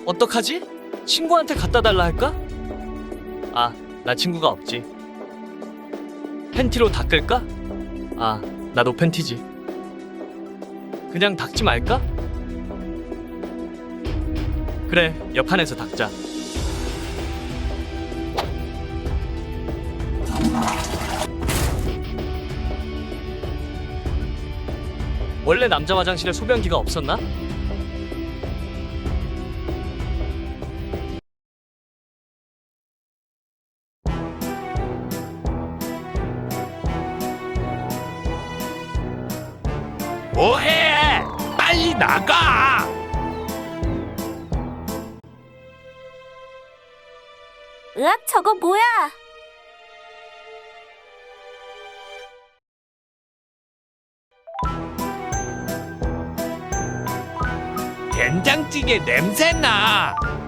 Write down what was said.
어떡하지? 친구한테 갖다 달라 할까? 아, 나 친구가 없지. 팬티로 닦을까? 아, 나도 팬티지. 그냥 닦지 말까? 그래, 옆판에서 닦자. 원래 남자 화장실에 소변기가 없었나? 뭐해? 빨리 나가! 으악, 저거 뭐야? 된장찌개 냄새나!